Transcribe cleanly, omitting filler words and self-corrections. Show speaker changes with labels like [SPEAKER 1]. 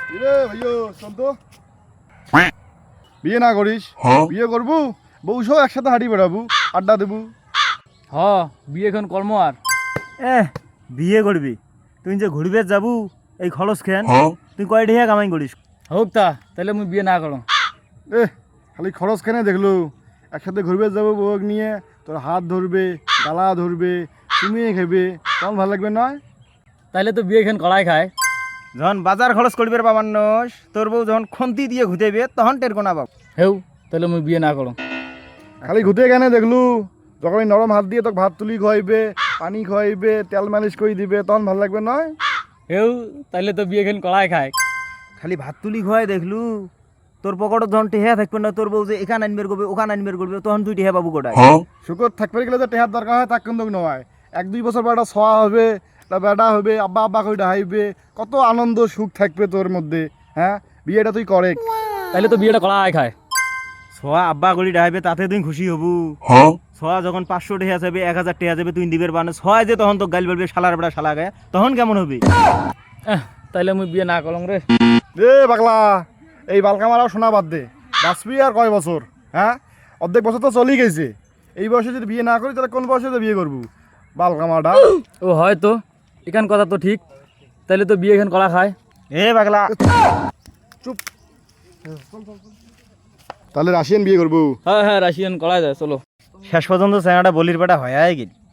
[SPEAKER 1] রে ভাইও শোন তো, বিয়ে না করিস? বিয়ে করবো, বউ সহ একসাথে হাঁটি বেড়াবো, আড্ডা দেবো।
[SPEAKER 2] হ বিয়ে এখন কর্ম আর
[SPEAKER 3] বিয়ে করবি তুই যে ঘুরবে যাবু এই খরচ খেন তুই কয় ঢেয়া কামাই করিস?
[SPEAKER 2] হোক তা তাহলে মুই বিয়ে না করো।
[SPEAKER 1] এ খালি খরচ কেনে দেখলো, একসাথে ঘুরবে যাবো, বউ নিয়ে তোর হাত ধরবে, গালা ধরবে, চুমিয়ে খেবে, তখন ভালো লাগবে নয়?
[SPEAKER 2] তাহলে তো বিয়ে এখন কড়াই খায়।
[SPEAKER 3] যখন বাজার খরচ করবে বাবান্নস তোর বউ যখন খন্তি দিয়ে ঘুতেবে তখন টের কোনা বাবু।
[SPEAKER 2] হেউ তাহলে মুই বিয়ে না করো।
[SPEAKER 1] খালি ঘুতে কেনে দেখলু, যখন এই নরম হাত দিয়ে তোকে ভাত তুলি খাইবে, পানি খাইবে, তেল মালিশ করে দিবে, তখন ভালো লাগবে নয়?
[SPEAKER 2] হেউ তাহলে তো বিয়ে এখন কড়াই খায়।
[SPEAKER 3] খালি ভাত তুলি খোয়াই দেখলু, তোর পকেটত যখন টেহা থাকবে না তোর বউ যে এখান আনবের করবে ওখান আনবের করবে তখন তুই টেহা পাবু কোটায়।
[SPEAKER 1] শুকর থাকবে গেলে যে টেহার দরকার হয় তা কিন্তু নয়। 1-2 বছর পর একটা ছোঁয়া হবে, একটা বেটা হবে, আব্বা আব্বা করে ডাহাইবে, কত আনন্দ সুখ থাকবে তোর মধ্যে। হ্যাঁ, বিয়েটা তুই করে।
[SPEAKER 2] তাহলে তো বিয়েটা কড়াই খায়।
[SPEAKER 3] সোয়া আব্বা গড়ি ডাইবে তাতে তুই খুশি হবু। সোয়া যখন 500 টেহা যাবে 1000 টেহা যাবে তুই দিবের বানে সোয়া যে তখন তো গাল বলবে শালার বেটা শালা গায়ে তখন কেমন হবে?
[SPEAKER 2] তাহলে মুই বিয়ে না করং রে।
[SPEAKER 1] এ পাগলা, এই বালকা মারাও শোনা বাদ দে। বাঁচবি আর কয় বছর? হ্যাঁ, অর্ধেক বছর তো চলেই গেছে। এই বয়সে যদি বিয়ে না করি তাহলে কোন বয়সে তো বিয়ে করবো? বালকা মারা।
[SPEAKER 2] ও হয়তো এখান কথা তো ঠিক, তাহলে তো বিয়ে এখন কড়া খায়।
[SPEAKER 3] এ পাগলা
[SPEAKER 1] চুপ। তাহলে রাশিয়ান বিয়ে করবো?
[SPEAKER 2] হ্যাঁ হ্যাঁ রাশিয়ান কড়াই যায় চলো।
[SPEAKER 3] শেষ পর্যন্ত চেনাটা বলির বেটা হয়ে গেল।